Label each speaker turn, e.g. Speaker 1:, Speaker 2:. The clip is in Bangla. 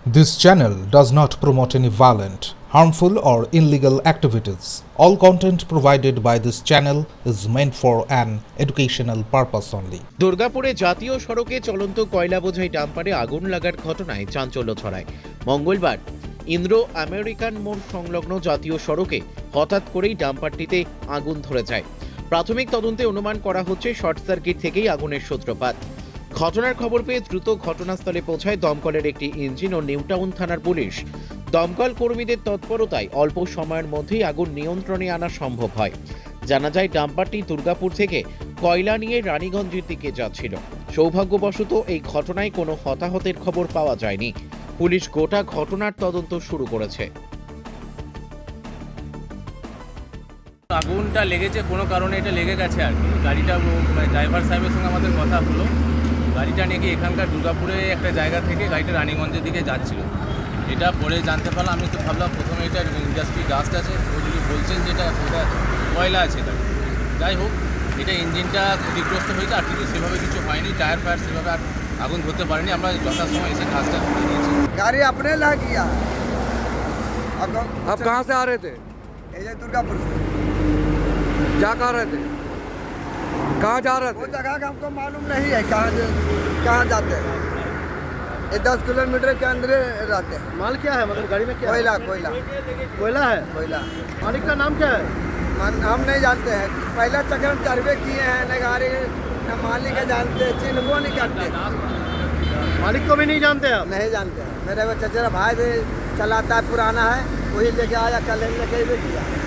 Speaker 1: This channel does not promote any violent, harmful, or illegal activities. All content provided by this channel is meant for an educational purpose only.
Speaker 2: দুর্গাপুরে জাতীয় সড়কে চলন্ত কয়লা বোঝাই ডাম্পারে আগুন লাগার ঘটনায় চাঞ্চল্য ছড়ায়। মঙ্গলবার ইন্দ্র আমেরিকান মোড় সংলগ্ন জাতীয় সড়কে হঠাৎ করেই ডাম্পারটিতে আগুন ধরে যায়। প্রাথমিক তদন্তে অনুমান করা হচ্ছে শর্ট সার্কিট থেকেই আগুনের সূত্রপাত। ঘটনার খবর পেয়ে দ্রুত ঘটনাস্থলে পৌঁছায় দমকলের একটি ইঞ্জিন ও নিউটাউন থানার পুলিশ। দমকল কর্মীদের তৎপরতায় অল্প সময়ের মধ্যেই আগুন নিয়ন্ত্রণে আনা সম্ভব হয়। জানা যায় ডাম্পারটি দুর্গাপুর থেকে কয়লা নিয়ে রানীগঞ্জের দিকে যাচ্ছিল। সৌভাগ্যবশত এই ঘটনায় কোনো হতাহতের খবর পাওয়া যায়নি। পুলিশ গোটা ঘটনার তদন্ত শুরু করেছে।
Speaker 3: আগুনটা লেগেছে কোনো কারণে, এটা লেগে গেছে আর কি। গাড়িটা ড্রাইভার সাহেবের সঙ্গে আমাদের কথা হলো, গাড়িটা নাকি এখানকার দুর্গাপুরে একটা জায়গা থেকে গাড়িটা রানীগঞ্জের দিকে যাচ্ছিল। এটা পরে জানতে পারলাম। আমি তো ভাবলাম প্রথমে এটা ইন্ডাস্ট্রি ডাস্ট আছে, ও যদি বলছেন যে এটা কয়লা আছে। এটা যাই হোক, এটা ইঞ্জিনটা ক্ষতিগ্রস্ত হয়েছে, আর কিন্তু সেভাবে কিছু হয়নি। টায়ার ফায়ার সেভাবে আর আগুন ধরতে পারেনি। আমরা যথাসময় এসে কাজটা করে দিয়েছি।
Speaker 4: गाड़ी अपने ला किया।
Speaker 5: आप कहाँ से आ रहे थे?
Speaker 4: ये दुर्गापुर से।
Speaker 5: जा कहाँ रहे थे? कहाँ जा रहे
Speaker 4: वो
Speaker 5: थे?
Speaker 4: जगह का हमको मालूम नहीं है कहाँ जाते हैं। ये 10 किलोमीटर के अंदर रहते हैं।
Speaker 6: माल क्या है, मतलब गाड़ी में क्या
Speaker 4: कोयला
Speaker 6: है?
Speaker 4: कोयला
Speaker 6: कोयला है।
Speaker 4: कोयला
Speaker 6: मालिक का नाम क्या है?
Speaker 4: हम नहीं जानते हैं। पहला चक्कर हम सर्वे किए हैं, न गाड़ी न मालिक है जानते, चिन्हबो नहीं करते,
Speaker 6: मालिक को भी नहीं जानते आप?
Speaker 4: नहीं जानते हैं। मेरे वो चचेरा भाई भी चलाता है, पुराना है, वही लेके आया, कल लेके भी किया।